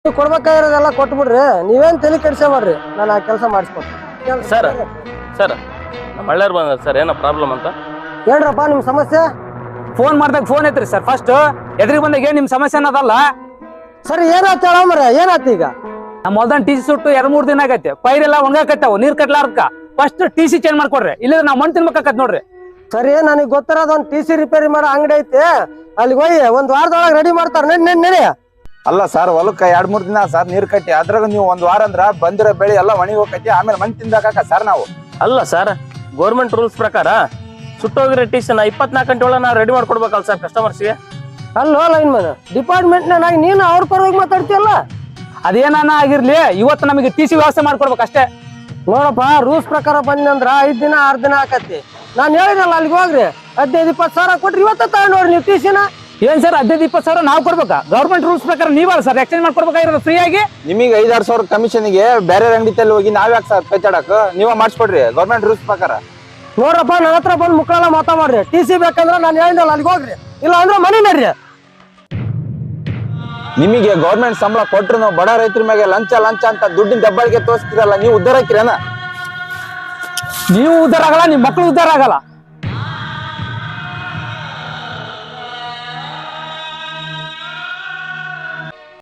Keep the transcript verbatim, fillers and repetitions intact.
ನೀವು ಕೊಡ್ಬೇಕಾಗಿರೋದೆಲ್ಲ ಕೊಟ್ಬಿಡ್ರಿ, ನೀವೇನ್ ತಲೆ ಕೆಡಿಸ್ಕೊಬೇಡ್ರಿ, ನಾನು ಆ ಕೆಲಸ ಮಾಡಿಸ್ಕೊಡ್ತೀನಿ. ಸರ್ ಸರ್ ನಮ್ಮ ಹಳ್ಳ್ಯಾರು ಬಂದ ಸರ್, ಏನೋ ಪ್ರಾಬ್ಲಮ್ ಅಂತ ಹೇಳ್ರಪ್ಪ ನಿಮ್ ಸಮಸ್ಯೆ. ಫೋನ್ ಮಾಡ್ದಾಗ ಫೋನ್ ಐತ್ರಿ ಸರ್, ಫಸ್ಟ್ ಎದುರಿಗೆ ಬಂದಾಗ ಏನ್ ನಿಮ್ ಸಮಸ್ಯೆ ಅನ್ನೋದಲ್ಲ. ಸರಿ ಏನಾಯ್ತು ಹೇಳಮ್ರ, ಏನಾಯ್ತು ಈಗ? ನಮ್ಮ ಹೊಲ್ದನ್ ಟಿ ಸಿ ಸುಟ್ಟು ಎರಡ್ ಮೂರ್ ದಿನ ಆಗೈತೆ, ಪೈರೆಲ್ಲ ಒಣಗಾಕತ್ತಾವ, ನೀರ್ ಕಟ್ಲಾರ್ದಕ್ಕ ಫಸ್ಟ್ ಟಿ ಸಿ ಚೇಂಜ್ ಮಾಡ್ಕೊಡ್ರಿ, ಇಲ್ಲ ನಾವ್ ಮಣ್ಣು ತಿನ್ಬೇಕಾಕತ್ ನೋಡ್ರಿ. ಸರಿ ನನಗೆ ಗೊತ್ತಿರೋದು ಒಂದ್ ಟಿ ಸಿ ರಿಪೇರಿ ಮಾಡೋ ಅಂಗಡಿ ಐತಿ, ಅಲ್ಲಿಗೆ ಹೋಗಿ ಒಂದ್ ವಾರದೊಳಗೆ ರೆಡಿ ಮಾಡ್ತಾರ. ನೆನ್ ನೆನ್ ನೆನೆ ಅಲ್ಲ ಸರ್, ಹೊಲಕ್ಕ ಎರಡ್ ಮೂರ್ ದಿನ ಸರ್ ನೀರ್ ಕಟ್ಟಿ, ಅದ್ರಾಗ ನೀವು ಒಂದ್ ವಾರ ಅಂದ್ರ ಬಂದಿರೋ ಬೆಳೆ ಎಲ್ಲ ಒಣಗಿ ಹೋಗೈತಿ, ಆಮೇಲೆ ಮಣ್ಣು ತಿಂದಾಕ ಸರ್ ನಾವು. ಅಲ್ಲ ಸರ್, ಗೌರ್ಮೆಂಟ್ ರೂಲ್ಸ್ ಪ್ರಕಾರ ಸುಟ್ಟೋಗಿರೋ ಟಿ ಸಿ ನಾ ಇಪ್ಪತ್ನಾಲ್ಕು ಗಂಟೆ ಒಳಗೆ ನಾವು ರೆಡಿ ಮಾಡ್ಕೊಡ್ಬೇಕಲ್ಲ ಸರ್ ಕಸ್ಟಮರ್ಸ್ಗೆ. ಅಲ್ಲೋ ಲೈನ್ ಮ್ಯಾನ್, ಡಿಪಾರ್ಟ್ಮೆಂಟ್ ನಾಗಿ ನೀನು ಅವ್ರ ಪರವಾಗಿ ಮಾತಾಡ್ತೀಯಲ್ಲ. ಅದೇನಾನ ಆಗಿರ್ಲಿ, ಇವತ್ತು ನಮಗೆ ಟಿ ಸಿ ವ್ಯವಸ್ಥೆ ಮಾಡ್ಕೊಡ್ಬೇಕು ಅಷ್ಟೇ. ನೋಡಪ್ಪ, ರೂಲ್ಸ್ ಪ್ರಕಾರ ಬಂದಂದ್ರ ಐದ್ ದಿನ ಆರ್ ದಿನ ಆಕತಿ. ನಾನ್ ಹೇಳಿರಲ್ಲ ಅಲ್ಲಿಗೆ ಹೋಗ್ರಿ, ಹದಿನೈದು ಇಪ್ಪತ್ತು ಸಾವಿರ ಕೊಟ್ರಿ ಇವತ್ತ ತಗೊಂಡೋಡ್ರಿ ನೀವು ಟಿ ಸಿನ. ಏನ್ ಸರ್ ಹದಿನೈದು ಇಪ್ಪತ್ತು ಸಾವಿರ ನಾವು ಕೊಡ್ಬೇಕಾ? ಗೌರ್ಮೆಂಟ್ ರೂಲ್ಸ್ ಪ್ರಕಾರ ನೀವಲ್ಲ ಸರ್ ಎಕ್ಸ್ಚೇಂಜ್ ಮಾಡ್ಕೊಡ್ಬೇಕಾಗಿರೋದು ಫ್ರೀ ಆಗಿ. ನಿಮಗೆ ಐದಾರು ಸಾವಿರ ಕಮಿಷನ್ಗೆ ಬೇರೆ ಅಂಗಡಿತಲ್ಲಿ ಹೋಗಿ ನಾವ್ ಯಾಕೆ ಸರ್ ಕಚ್ಚಾಡಕ್, ನೀವ ಮಾಡಿಸ್ಕೊಡ್ರಿ ಗೌರ್ಮೆಂಟ್ ರೂಲ್ಸ್ ಪ್ರಕಾರ. ನೋಡ್ರಪ್ಪ, ನನ್ನ ಹತ್ರ ಬಂದು ಮುಕ್ಕಳೆಲ್ಲ ಮಾತಾಡ್ರಿ. ಟಿ ಸಿ ಬೇಕಂದ್ರೆ ನಾನು ಹೇಳಿದಲ್ಲ ಅಲ್ಲಿಗೆ ಹೋಗ್ರಿ, ಇಲ್ಲ ಅಂದ್ರೆ ಮನೆ ನಡ್ರಿ. ನಿಮಗೆ ಗೌರ್ಮೆಂಟ್ ಸಂಬಳ ಕೊಟ್ರು ನಾವು ಬಡ ರೈತರ ಮೇಲೆ ಲಂಚ ಲಂಚ ಅಂತ ದುಡ್ಡಿನ ದಬ್ಬಾಳಿಗೆ ತೋರಿಸ್ತಿರಲ್ಲ, ನೀವು ಉದ್ದಾರ ಹಾಕಿರೇನ? ನೀವು ಉದ್ದಾರ ಆಗಲ್ಲ, ನಿಮ್ ಮಕ್ಳು ಉದ್ದಾರ ಆಗಲ್ಲ.